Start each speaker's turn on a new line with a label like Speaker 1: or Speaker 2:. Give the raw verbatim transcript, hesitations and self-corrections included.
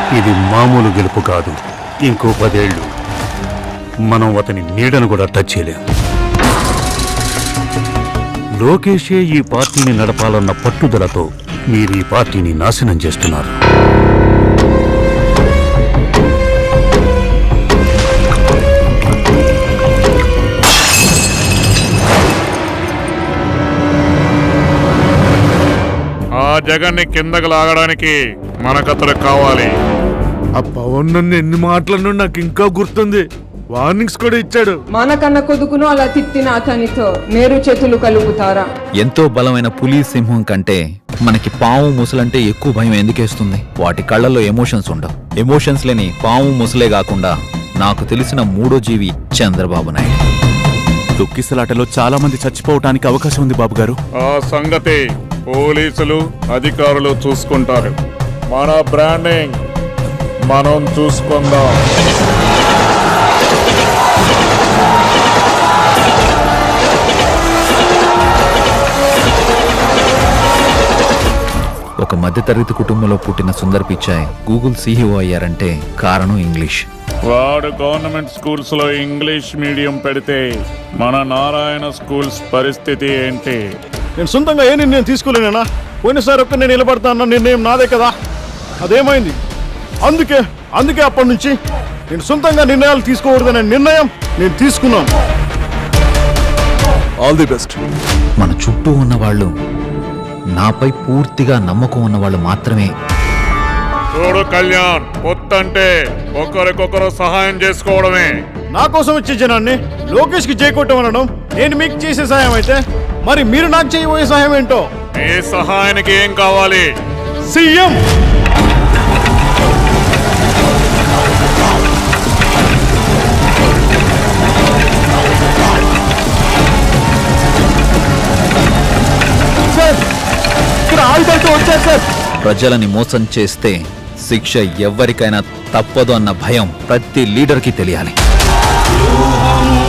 Speaker 1: ఇది మామూలు గెలుపు కాదు. ఇంకో పదేళ్లు మనం అతని నీడను కూడా టచ్ చేయలేం. లోకేషే ఈ పార్టీని నడపాలన్న పట్టుదలతో మీరు ఈ పార్టీని నాశనం చేస్తున్నారు.
Speaker 2: ఆ జగన్ని కిందకు లాగడానికి మనకతడు కావాలి.
Speaker 3: ఆ పవన్ నన్ను ఎన్ని మాటలను నాకు ఇంకా గుర్తుంది. వార్నింగ్స్ కూడా ఇచ్చాడు.
Speaker 4: మానకన్న కొడుకును అలా తిట్టిన అతనితో నేరు చేతులు కలుపుతారా?
Speaker 5: ఎంతో బలమైన పులి సింహం కంటే మనకి పాము ముసలంటే ఎక్కువ భయం ఎందుకేస్తుంది? వాటి కళ్ళల్లో ఎమోషన్స్ ఉండవు. ఎమోషన్స్ లేని పాము ముసలే కాకుండా నాకు తెలిసిన మూడో జీవి చంద్రబాబు నాయుడు.
Speaker 6: తొక్కిసలాటలో చాలా మంది చచ్చిపోవటానికి అవకాశం ఉంది బాబు గారు.
Speaker 2: ఆ సంగతి పోలీసులు అధికారులు చూసుకుంటారు. మన బ్రాండింగ్ మనం చూసుకుందాం.
Speaker 5: ఒక మధ్యతరగతి కుటుంబంలో పుట్టిన సుందర్ పిచాయ్ గూగుల్ సీఈఓ అయ్యారంటే కారణం ఇంగ్లీష్.
Speaker 2: వాడు గవర్నమెంట్ స్కూల్స్ లో ఇంగ్లీష్ మీడియం పెడితే మన నారాయణ స్కూల్స్ పరిస్థితి ఏంటి?
Speaker 3: నేను సొంతంగా ఏ నిర్ణయం తీసుకోలేనా? పోయినసారి ఒక్క నేను నిలబడతా అన్న నిర్ణయం నాదే కదా, అదేమైంది? అందుకే అందుకే అప్పటి నుంచి నేను సొంతంగా నిర్ణయాలు తీసుకోకూడదనే నిర్ణయం నేను తీసుకున్నాను.
Speaker 6: All the best.
Speaker 5: మన చుట్టూ ఉన్న వాళ్ళు నాపై పూర్తిగా నమ్మకం ఉన్న వాళ్ళు మాత్రమే.
Speaker 2: చూడు కళ్యాణ్, పొత్తంటే ఒకరికొకరు సహాయం చేసుకోవడమే.
Speaker 3: నా కోసం వచ్చే జనాన్ని లోకేష్ కి చేయకొట్టమనడం నేను మీకు చేసే సహాయం అయితే, మరి మీరు నాకు చేయబోయే సహాయం ఏంటో?
Speaker 2: మీ సహాయానికి ఏం కావాలి?
Speaker 3: సీఎం.
Speaker 5: ప్రజలని మోసం చేస్తే శిక్ష ఎవ్వరికైనా తప్పదు అన్న భయం ప్రతి లీడర్కి తెలియాలి.